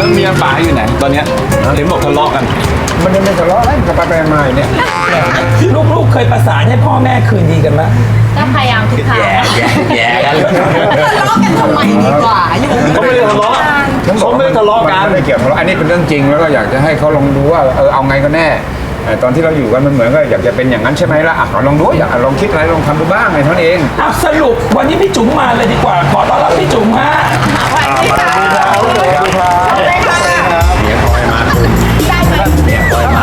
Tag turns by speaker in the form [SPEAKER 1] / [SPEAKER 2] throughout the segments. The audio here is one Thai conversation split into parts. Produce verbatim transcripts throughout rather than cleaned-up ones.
[SPEAKER 1] เมียป๋าอยู่ไหนตอนเนี้ยเห็นบอกทะเลาะกัน
[SPEAKER 2] มันยังไม่ทะเลาะอะไรกับไปไปมาเนี่ย
[SPEAKER 3] ลูกๆเคยประสานให้พ่อแม่คืนดีกันไหม
[SPEAKER 4] ก็พยายามทุกครั้ง
[SPEAKER 1] แย่แย่แย่กัน
[SPEAKER 4] ทะเลาะกันทำไมดีกว่าอยู่
[SPEAKER 1] เขาไม่ได้ทะเลาะเขาไม่ได้ทะเลาะกัน
[SPEAKER 2] ไม่ได้เกี่ยวกับอันนี้เป็นเรื่องจริงแล้วก็อยากจะให้เขาลองดูว่าเออเอาไงก็แน่ตอนที่เราอยู่กันมันเหมือนก็อยากจะเป็นอย่างนั้นใช่ไหมล่ะอ่ะลองดูอยากลองคิดอะไรลองทำดูบ้างไงเท่านั้นเอง
[SPEAKER 3] อ่ะสรุปวันนี้พี่จุ๋มมาเลยดีกว่าขอต้อนรับพี่จุ๋มฮะ
[SPEAKER 4] สวัสดีค่ะสวัสดีค่ะเมียคอยมาได้ไหมเมียคอยมา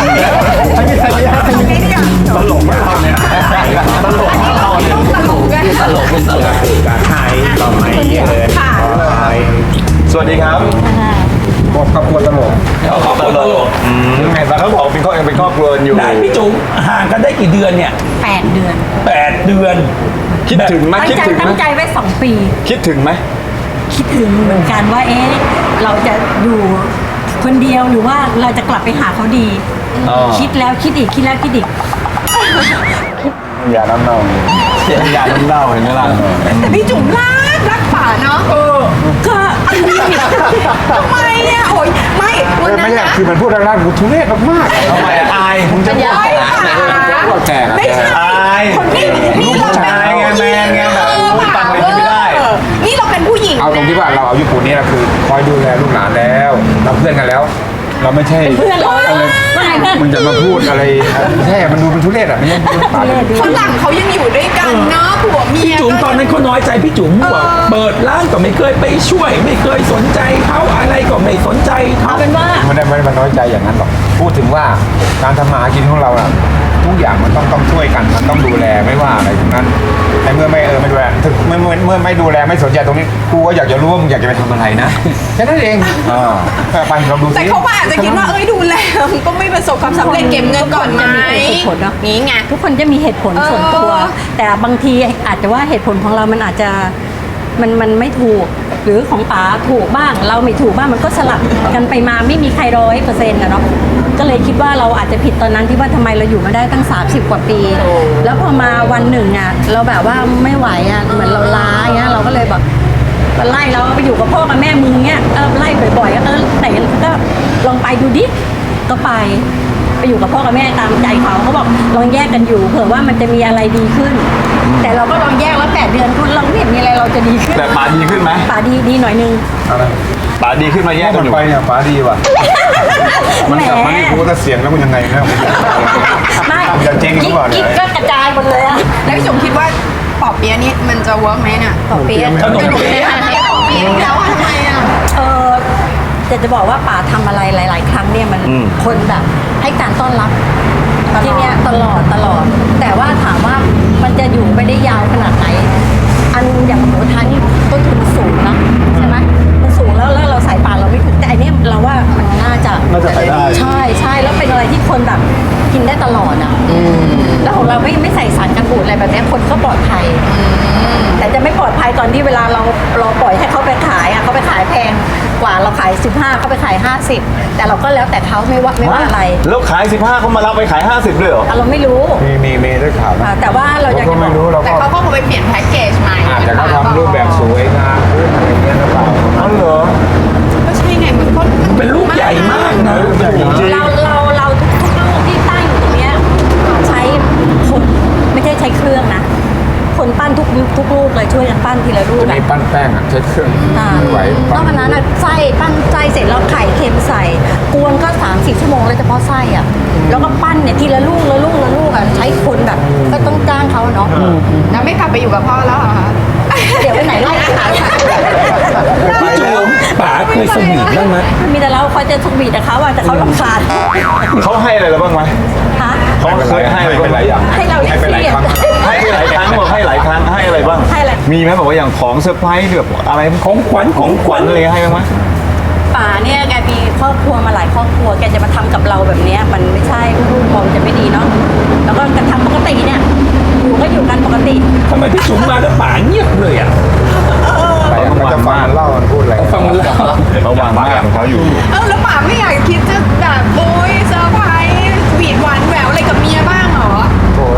[SPEAKER 1] ตลกมากเนี่ยตลกมากเนี่ย
[SPEAKER 4] ตลกกันตลกเป็นตลก
[SPEAKER 1] การไทยต่อไปเลย
[SPEAKER 4] ค่ะ
[SPEAKER 1] สวัสดีครับ
[SPEAKER 2] บอกครอบครัวตลก
[SPEAKER 3] เขาครอบครัวตลก
[SPEAKER 1] ยังไงบ้างเขาบอกเป็นครอบยังเป็นครอบครัวอยู่
[SPEAKER 3] ได้พี่จุ๋มห่างกันได้กี่เดือนเนี่ย
[SPEAKER 4] แปดเดือน
[SPEAKER 3] แปดเดือน
[SPEAKER 1] คิดถึงไหม
[SPEAKER 4] ตั้ง
[SPEAKER 1] คิด
[SPEAKER 4] ใจ
[SPEAKER 1] ถึงไหม
[SPEAKER 4] ตั้งใจไว้สองปี
[SPEAKER 1] คิดถึงไหม
[SPEAKER 4] คิดถึงเหมือนกันว่าเอ๊ะเราจะอยู่คนเดียวหรือว่าเราจะกลับไปหาเขาดี คิดแล้วคิดอีกคิดแล้วคิดอีก
[SPEAKER 2] อย่าน้ำเน่า
[SPEAKER 1] เสียงยาน้ำเน่าเห็นไหมล่ะ
[SPEAKER 4] แต่พี่จุ๋มรักรักป่าเนาะเออก็ทำไมอ่ะโอ้ยไม่วันนั้
[SPEAKER 2] ไม่
[SPEAKER 4] น
[SPEAKER 2] ใช่
[SPEAKER 4] นะ
[SPEAKER 2] คือมันพูดแรงๆกูทุเรศมาก
[SPEAKER 1] ทำไมอายผมจะ
[SPEAKER 4] ไม่
[SPEAKER 1] บอก
[SPEAKER 4] ใช่ป่า
[SPEAKER 2] ๆแก่
[SPEAKER 4] ไม่ใช่
[SPEAKER 1] อาย
[SPEAKER 4] คนที่
[SPEAKER 1] ลูกผู้ชายไงแมนไงแบบฟังเลยไม่ได้
[SPEAKER 4] นี่เราเป็นผู้หญิง
[SPEAKER 2] เอาตรงที่ว่าเราอายุปูนนี้เราคือคอยดูแลลูกหลานแล้วเราเพื่อนกันแล้ว เราไม่ใช่
[SPEAKER 4] เพื่อนเรา
[SPEAKER 2] อะไร
[SPEAKER 4] ไม่เพื่อน
[SPEAKER 2] มันจะมาพูดอะไรแท้มันดูเป็นทุเรศอ่ะไม่ใช่ปาก
[SPEAKER 5] ฝรั่งเขายังอยู่ด้วยกันเนาะผัวเมี
[SPEAKER 3] พี่
[SPEAKER 5] ย
[SPEAKER 3] จุ๋มตอนนั้นเขาน้อยใจพี่จุ๋มบอกเปิดร้านก็ไม่เคยไปช่วย ไม่เคยสนใจเขาอะไรก็ไม่สนใจเขา
[SPEAKER 4] เอาเป็นว่า
[SPEAKER 2] ไม่ได้ไม่ได้มันน้อยใจอย่างนั้นหรอกพูดถึงว่าการทำมาหากินของเราอะทุกอย่างมันต้องต้องช่วยกันมันต้องดูแลไม่ว่าอะไรทั้งนั้นแต่เมื่อไม่เออไม่ดูแลถึงเมื่อเมื่อเมื่อไม่ดูแลไม่สนใจตรงนี้กูก็อยากจะรู้ว่ามึงอยากจะไปทำอะไรนะแค่นั้นเองอ่าไปลองดูสิ
[SPEAKER 5] แต่เขาก็อาจจะคิดว่าเอ้ยดูแลมันก็ไม่ประสบความสำเร็จเก็บเงินก่อนไหม
[SPEAKER 4] เหตุผลเนาะ
[SPEAKER 5] นี่ไง
[SPEAKER 4] ทุกคนจะมีเหตุผล
[SPEAKER 5] เออ
[SPEAKER 4] ส่วนตัว แต่บางทีอาจจะว่าเหตุผลของเรามันอาจจะมันมันไม่ถูก หรือของป๋าถูกบ้าง เราไม่ถูกบ้างมันก็สลับกันไปมาไม่มีใครร้อยเปอร์เซ็นต์นะเนาะก็เลยคิดว่าเราอาจจะผิดตอนนั้นที่ว่าทำไมเราอยู่มาได้ตั้งสามสิบกว่าปี แล้วพอมาวันหนึ่งอ่ะเราแบบว่าไม่ไหวอ่ะเหมือนเราล้าอย่างเงี้ยเราก็เลยแบบไล่เราไปอยู่กับพ่อกับแม่มึงเงี้ยเออไล่บ่อยๆก็เออไหนก็ลองไปดูดิก็ไป ไปอยู่กับพ่อกับแม่ตามใจเขาเขาบอกลองแยกกันอยู่เผื่อว่ามันจะมีอะไรดีขึ้น แต่เราก็ลองแยกแล้วแปดเดือนคุณเราไม่เห็นมีอะไรเราจะดีขึ้น
[SPEAKER 1] แต่ป๋าดีขึ้นไหม
[SPEAKER 4] ป่าดีดีหน่อยนึง
[SPEAKER 2] อะไร
[SPEAKER 1] ป๋าดีขึ้นมาแยกกั
[SPEAKER 2] มัน น
[SPEAKER 1] อยู่
[SPEAKER 2] ไปเนี่ยฟ้าดีว่ะมันกลับมานี่กูก็เสียงแล้วมันยังไงนะ
[SPEAKER 4] ไม่
[SPEAKER 2] จะเจ๊งหรือเปล่าเนี่ย
[SPEAKER 4] กิ๊กก็กระจายหมดเลยอะ
[SPEAKER 5] แล้วพี่จุ๋มคิดว่าปอบเปี๊ยะนี่มันจะเวิร์กไหมเนี่ย
[SPEAKER 4] ต่อเปี๊ยะ
[SPEAKER 3] ขนมเปี๊ยะ
[SPEAKER 5] ปอบเปี๊ยะแล้วอะทำไมอ่ะ
[SPEAKER 4] เออจะจะบอกว่าป่าทำอะไรหลาย ๆ ครั้งเนี่ยมันคนแบบให้การต้อนรับที่เนี้ยตลอดตลอด แต่ว่าถามว่ามันจะอยู่ไปได้ยาวขนาดไหน อันอย่างหมูกระทะนี่ต้นทุนมันสูงเนอะใช่ไหมมันสูงแล้วแล้วเราใส่ป่าเราไม่ถึงแต่อันเนี้ยเราว่ามันน่าจะ
[SPEAKER 1] น่าจะไปได้
[SPEAKER 4] ใช่ใช่แล้วเป็นอะไรที่คนแบบกินได้ตลอดอ่ะแล้วของเราไม่ไม่ใส่สารกันบูดอะไรแบบเนี้ยคนก็ปลอดภัย แต่จะไม่ปลอดภัยตอนที่เวลาเราเราปล่อยให้เขาไปขายอ่ะเขาไปขายแพงกว่าเราขายสิบห้าเขาไปขายห้าสิบแต่เราก็แล้วแต่เขาไม่ว่าไม่ว่าอะไร
[SPEAKER 1] แล้วขายสิบห้าเขามารับไปขายห้าสิบเลยเหรอ
[SPEAKER 4] อ่ะเราไม่รู้
[SPEAKER 2] มีมีมีได้ข่าว
[SPEAKER 4] อ่ะ
[SPEAKER 2] นะ
[SPEAKER 4] แต่ว่าเราอยาก
[SPEAKER 2] ก็
[SPEAKER 4] จะบ
[SPEAKER 2] ไม่
[SPEAKER 4] อก
[SPEAKER 2] รู้เรา
[SPEAKER 5] แต่
[SPEAKER 2] ก็
[SPEAKER 5] เขาก็คงไปเปลี่ยนแพ็กเกจใหม่
[SPEAKER 2] อาจจะเขาทำรูปแบบสวยงามขึ้นอะไรอย่างเงี้ยหรือเปล่า
[SPEAKER 1] อ๋อเหรอ
[SPEAKER 5] ก็ใช่ไงมันก็
[SPEAKER 3] เป็นลูกใหญ่มากนะ
[SPEAKER 4] เราเราเราทุกทุกลูกที่ตั้งอยู่ตรงเนี้ยใช้คนไม่ใช่ใช้เครื่องนะคนปั้นทุกทุกลูกเลยช่วยกันปั้นทีละลูก
[SPEAKER 2] จะ
[SPEAKER 4] อะ
[SPEAKER 2] มีปั้นแป้งอ่ะใช้เครื่อง
[SPEAKER 4] อ่า
[SPEAKER 2] ไม่ไหวน
[SPEAKER 4] อกจากนั้นอะไส้ปั้นไส้เสร็จแล้วไข่เค็มใส่กวนก็สามสี่ชั่วโมงเลยเฉพาะไส้อะแล้วก็ปั้นเนี่ยทีละลูกละลูกละลูกอะใช้คนแบบก็ต้องจ้างเขาอะเนาะ
[SPEAKER 5] แล้วไม่กลับไปอยู่กับพ่อแล้วเหรอคะ
[SPEAKER 4] เดี๋ยวไปไหนไล่ขาย
[SPEAKER 3] พี่จุ๋มป๋าเคยสวีทบ้างไหม
[SPEAKER 4] มีแต่เราคอยจะสวีทกับเขาอะแต่เขาลำคาญ
[SPEAKER 1] เขาให้อะไรเราบ้างไหม
[SPEAKER 4] ฮะ
[SPEAKER 1] เขาเคยให้อะไรบ้างไหม
[SPEAKER 4] ให้เราเรียก
[SPEAKER 2] ให้ไปหลาย
[SPEAKER 4] เสีย
[SPEAKER 2] ครั้ง
[SPEAKER 1] ให้ไปหลายครั้งบอกให้หลายครั้งให้อะไรบ้าง
[SPEAKER 4] ให้อะไร
[SPEAKER 1] มีไหมบอกว่าอย่างของเซอร์ไพรส์แบบอะไร
[SPEAKER 3] ของขวัญของขวัญ
[SPEAKER 1] อะไรให้บ้างไหม
[SPEAKER 4] ป่าเนี่ยแกมีครอบครัวมาหลายครอบครัวแกจะมาทำกับเราแบบเนี้ยมันไม่ใช่ลูกๆมองจะไม่ดีเนาะแล้วก็กระทำปกติเนี่ยอยู่ก็อยู่กันปกติ
[SPEAKER 3] ทำไมพี่จุ๋มมาแล้วป๋าเงียบเลยอ่ะ
[SPEAKER 2] แต่มันจะฟังมันเล่ามันพูดอะไร
[SPEAKER 3] ฟังมันเล่า
[SPEAKER 1] เขาวางมากของเขาอยู่
[SPEAKER 5] เออแล้วป๋าไม่อยากคิดจะแบบโอ้ยเซอร์ไพรส์หวีดหวานแหววอะไรกับเมียบ้างเหรอ
[SPEAKER 2] โอ้ย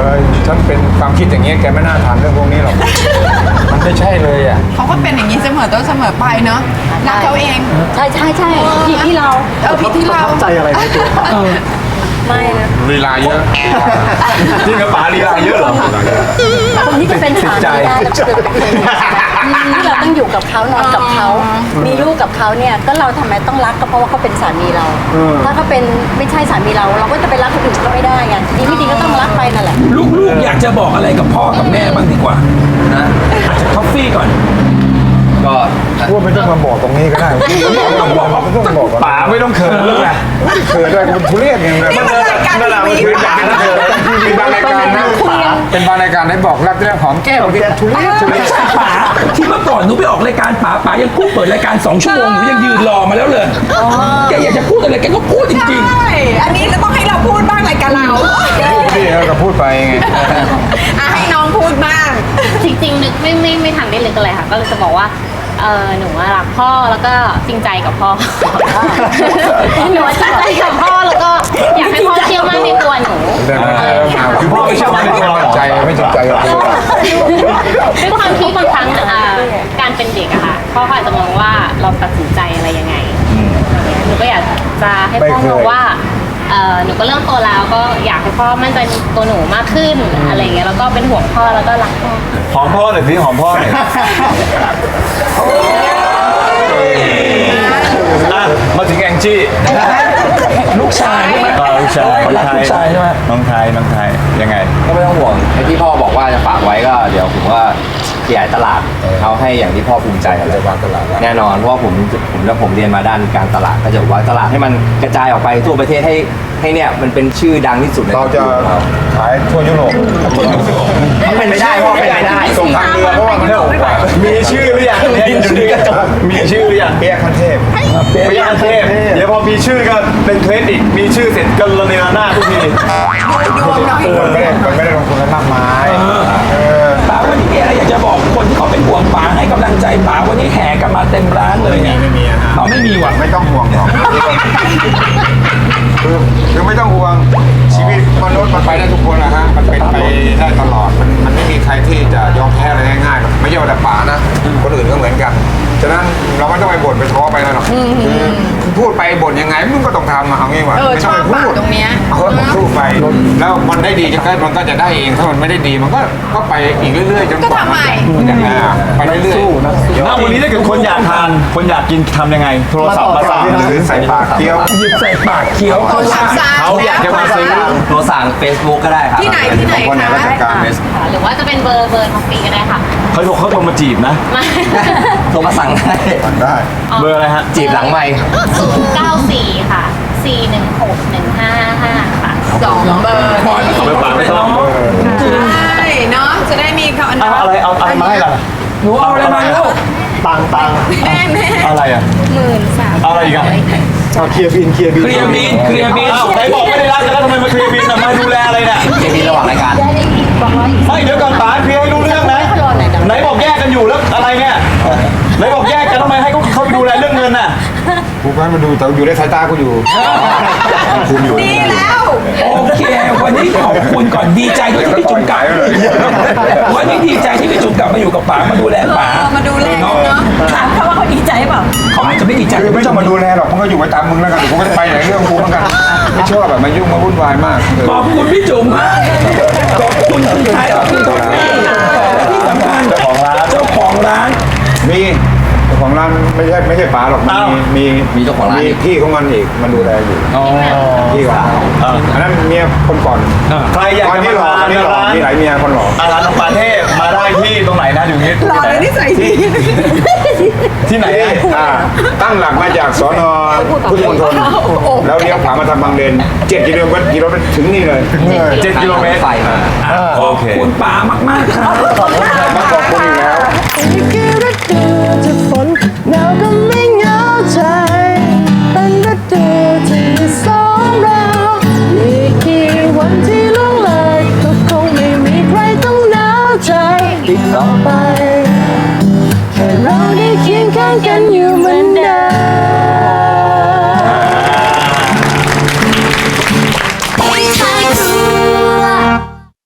[SPEAKER 2] อฉันเป็นความคิดอย่างเงี้ยแกไม่น่าถามเรื่องพวกนี้หรอกมันไม่ใช่เลยอ่ะ
[SPEAKER 5] เขาก็เป็นอย่างนี้เสมอต้นเสมอไปเนาะรักเขาเอง
[SPEAKER 4] ใช่ใช่ใช่ผิดที่เรา
[SPEAKER 5] เออผิดที่เรา
[SPEAKER 1] ใจอะไรในตัวป๋า
[SPEAKER 4] ไม่นะ
[SPEAKER 2] ลีลาเยอะ
[SPEAKER 1] จริงกับป๋าลีลาเยอะเหรอ
[SPEAKER 4] คนที่จะเป็นสามีได้เราจะเป็นนี่เราต้องอยู่กับเขานอนกับเขามีลูกกับเขาเนี่ยก็เราทำไมต้องรักก็เพราะว่าเขาเป็นสามีเรา ถ้าเขาเป็นไม่ใช่สามีเรา เราก็จะไปรักคนอื่นก็ไม่ได้ไงดีไม่ดีก็ต้องรักไปนั่นแหละ
[SPEAKER 3] ลูกๆอยากจะบอกอะไรกับพ่อกับแม่บ้างดีกว่า
[SPEAKER 1] นะ
[SPEAKER 3] อาจจะท็อฟฟี่ก่อน
[SPEAKER 1] ก็
[SPEAKER 2] พูดไม่ต้องมาบอกตรงนี้ก็ได้ไม่ต้องบอกไม่ต้องบอก
[SPEAKER 1] ป๋าไม่ต้องเขินเลยไง
[SPEAKER 2] เขินด้วยคุณทุเรศอย่างเงี้ย
[SPEAKER 5] นี่มันรายการ
[SPEAKER 1] นั่นแหละ
[SPEAKER 5] ที
[SPEAKER 1] มัน
[SPEAKER 5] วี
[SPEAKER 1] คืออยาก
[SPEAKER 5] ป่ะ
[SPEAKER 1] ให้เธอ
[SPEAKER 2] เป็นบางรายการนะเป็นบางรายการได้บอกรักเรื่องหอมแก้มแกทุเรศทุเรศ
[SPEAKER 3] ป๋าที่เมื่อก่อนหนูไปออกรายการป๋าป๋ายังพูดเปิดรายการสองชั่วโมงหนูยังยืนรอมาแล้วเลยแกอยากจะพูดอะไรแกก็พูดจริง
[SPEAKER 5] ใช่อันนี้เราต้องให้เราพูดบ้างรายการเรา
[SPEAKER 2] พี่เขาก็พูดไปไง
[SPEAKER 5] อ่ะให้น้องพูดบ้าง
[SPEAKER 6] จริงๆนึกไม่ไม่ไม่ทันได้เลยก็เลยค่ะ ก็เลยจะบอกว่าเออหนูอะรักพ่อแล้วก็จริงใจกับพ่อ หนูอะจริงใจกับพ่อแล้วก็อยากให้พ่อเชื่อมั่นในตัวหนู
[SPEAKER 2] เดินมาเจอมา
[SPEAKER 1] คือพ่อไม่เชื่อมั่นในตัวเราเหรอ
[SPEAKER 2] ใจไม่จริงใจกับคุณ
[SPEAKER 6] ด้วยความที่บางครั้งอ่าการเป็นเด็กอะค่ะพ่อเขาอาจจะมองว่าเราตัดสินใจอะไรยังไงอย่างเงี้ยหนูก็อยากจะให้พ่อมองว่าเออหนูก็เริ่มโตแล้วก็อยากให้พ่อมั่นใจในตัวหนูมากขึ้นอะไรอย่างเงี้ยแล้วก็เป็นห่วงพ่อแล้วก็รักพ่อ
[SPEAKER 1] หอมพ่อหน่อยสิหอมพ่อหน่อยอ่ะมาถึงแองจี้
[SPEAKER 3] ๆ ลูกชายใช่ไหม
[SPEAKER 1] อ่าลูกชาย
[SPEAKER 3] เขารักลูกชายใช่ไหม
[SPEAKER 1] น้องชายน้องชายยังไง
[SPEAKER 7] ก็ไม่ต้องห่วงไอ้ที่พ่อบอกว่าจะฝากไว้ก็เดี๋ยวผมว่าขยายตลาดเอาให้อย่างที่พ่อภูมิใจอะไรวางตลาดแน่นอนเพราะว่าผมผมแล้วผมเรียนมาด้านการตลาดก็จะวางตลาดให้มันกระจายออกไปทั่วประเทศให้ให้เนี่ยมันเป็นชื่อดังที่สุดใน
[SPEAKER 2] เราจะขายทั่วยุโรป
[SPEAKER 7] มันเป็นไม่ได้พ่อเป็นไม่ได้
[SPEAKER 2] ส่งทางเรือเพราะว่ามันถูกกว่า
[SPEAKER 1] มีชื่อหรือยังเนี่ยอยู่ที่กระจกมีชื่อหรือยัง
[SPEAKER 2] เปียกคันเทพ
[SPEAKER 1] พยานเทพเดี๋ยวพอมีชื่อก็เป็นเทรนด์อีกมีชื่อเสร็จก็ระเนระนาดทุกที
[SPEAKER 5] ดวงหน่อย
[SPEAKER 2] มันไม่ได้มันไม่ได้ลงทุนอะไรมากมายเออ
[SPEAKER 3] ป๋าวันนี้มีอะไรอยากจะบอกคนที่เขาเป็นห่วงป๋าให้กำลังใจป๋าวันนี้แห่กันมาเต็มร้านเลยเนี่ย
[SPEAKER 2] ไม่มีอะฮะ
[SPEAKER 3] เราไม่มีว่ะ
[SPEAKER 2] ไม่ต้องห่วงหรอกคือคือไม่ต้องห่วงชีวิตมนุษย์มันไปได้ทุกคนนะฮะมันเป็นไปได้ตลอดมันมันไม่มีใครที่จะยอมแพ้อะไรง่ายๆหรอกไม่ใช่ว่าแต่ป๋านะคนอื่นก็เหมือนกันฉะนั้นเราไม่ต้องไปบ่นไปท้อไปแล้วหรอกคือพูดไปบ่นยังไงมึงก็ต้องทำมาเอางี้ว่า
[SPEAKER 5] เออ
[SPEAKER 2] ไม่
[SPEAKER 5] ช
[SPEAKER 2] ต้
[SPEAKER 5] อ
[SPEAKER 2] อง
[SPEAKER 5] บ
[SPEAKER 2] ไป
[SPEAKER 5] ปาก
[SPEAKER 2] พูด
[SPEAKER 5] ตรงเนี้ย
[SPEAKER 2] เอาให้พูดไปแล้วมันได้ดีจะก็มันก็จะได้เองถ้ามันไม่ได้ดีมันก็ก็ไปอีกเรื่อยๆจนกว่า
[SPEAKER 5] ก็ทำใหม่
[SPEAKER 2] นจะอ่าไปเรื่อยๆ
[SPEAKER 1] ณวันนี้ถ้าเกิดคนอยากทานคนอยากกินทำยังไง โทรศัพท์มาสั่ง
[SPEAKER 2] หรือใส่ปากเคี้ยว
[SPEAKER 3] หยิบใส่ปากเคี้ยวเขาว่า
[SPEAKER 1] เขาอยากจะมาซื้อ
[SPEAKER 7] ตัวสั่ง Facebook ก็ได้ครับ
[SPEAKER 5] ที่ไหนที่ไหน
[SPEAKER 2] คนใน
[SPEAKER 5] คะ
[SPEAKER 2] ราชการ
[SPEAKER 6] หรือว่าจะเป็นเบอร์เบอร์ท็อฟฟี่ก็ได้ค่ะ
[SPEAKER 1] เขาโทรเขาโทรมาจีบนะ
[SPEAKER 6] มา
[SPEAKER 7] โทรมาสั่งได้
[SPEAKER 2] ได้
[SPEAKER 1] เบอร์อะไรฮะ
[SPEAKER 7] จีบหลังไม่
[SPEAKER 6] ศูนย์เก้าสี่ค่ะสี่หนึ่งหกหนึ่งห้าห้าค่ะ
[SPEAKER 5] สองเบอร์
[SPEAKER 3] ขอให้ประสบความสำเร็จเนาะ
[SPEAKER 5] ใช่เนาะจะได้มีเขา
[SPEAKER 1] เอาอะไรเอาอะไรมาให้ล่ะ
[SPEAKER 3] หนูเอาอะไรมาลูก
[SPEAKER 1] ตังตัง
[SPEAKER 5] แม่แม่
[SPEAKER 1] อะไรอ่ะ
[SPEAKER 5] หมื่นสาม
[SPEAKER 1] อะไรอีกอ่ะเอาเคลียร์บินเคลียร์บิน
[SPEAKER 3] เคลียร์บินเคลียร์บิน
[SPEAKER 1] อ้าวไหนบอกไม่ได้รักกันแล้วทำไมมาเคลียร์บินอ่ะมาดูแลอะไรเนี่ย
[SPEAKER 7] เจมีระหว่างรายการ
[SPEAKER 1] ไม่เดี๋ยวก่อนป๋าเคลียร์ให้รู้เรื่องนะไหนบอกแยกกันอยู่แล้วอะไรเนี่ยไหนบอกแยกกันทำไมให้เขาเขาไปดูแลเรื่องเงินน่ะ
[SPEAKER 2] กูก็ให้มาดูแต่อยู่ในสายตากูอยู่คุมอยู่
[SPEAKER 5] ดีแล้ว
[SPEAKER 3] โอเค วันนี้ขอบคุณก่อนดีใจด้วยที่พี่จุ๋มกลับวันนี้ดีใจที่พี่จุ๋มกลับมาอยู่กับป๋ามาดูแลป๋า
[SPEAKER 5] เออมาดูแลกันเนอะ
[SPEAKER 4] ถามเขาว่าเขาดีใจเปล่า
[SPEAKER 3] เขาอาจจะไม่ดีใจ
[SPEAKER 2] คือไม่ต้องมาดูแลหรอกมึงก็อยู่ไปตามมึงแล้วกันกูก็จะไปไหนเรื่องกูเหมือนกันไม่ชอบแบบมายุ่งมาวุ่นวายมากเออ
[SPEAKER 3] ขอบคุณพี่จุ๋มมากขอบคุณคุณไทยขอบคุณท็อปปี้และที่สำคัญเจ้าของร้านเจ้าของร้าน
[SPEAKER 2] มีเจ้าของร้านไม่ใช่ไม่ใช่ป๋าหรอกมีมี
[SPEAKER 7] มีเจ้าของร้าน
[SPEAKER 2] มี
[SPEAKER 7] อีก
[SPEAKER 2] พี่ของมันอีกมันดูแลอยู่พี่ของมันอันนั้นเมียคนก่อน
[SPEAKER 1] ใครอยาก
[SPEAKER 2] ตอน
[SPEAKER 1] จะ
[SPEAKER 2] นี้
[SPEAKER 1] มา
[SPEAKER 2] หล่อ
[SPEAKER 1] ทา
[SPEAKER 2] ตอน
[SPEAKER 1] น
[SPEAKER 2] นี้หล่อ
[SPEAKER 1] ร้าน
[SPEAKER 2] มีหลายเมียคนหล่อ
[SPEAKER 1] อาร้านน้องปาเทพมาได้ที่ตรงไหนนะอยู่นี้
[SPEAKER 5] หล่อเลยนิสัยดี
[SPEAKER 1] ที่ไหน
[SPEAKER 2] ที่
[SPEAKER 1] อะ
[SPEAKER 2] อ่าตั้งหลักมาจากสอนอพุทธมณฑลแล้วเลี้ยวขวามาทางบางเลนเจ็ดกิโลเมตรกิโลเมตรถึงนี่เลย
[SPEAKER 1] เจ็ดกิโลเมตร
[SPEAKER 7] ไฟมา
[SPEAKER 3] ขอบคุณป๋ามากๆครับ
[SPEAKER 2] มาขอบคุณอีกแล้ว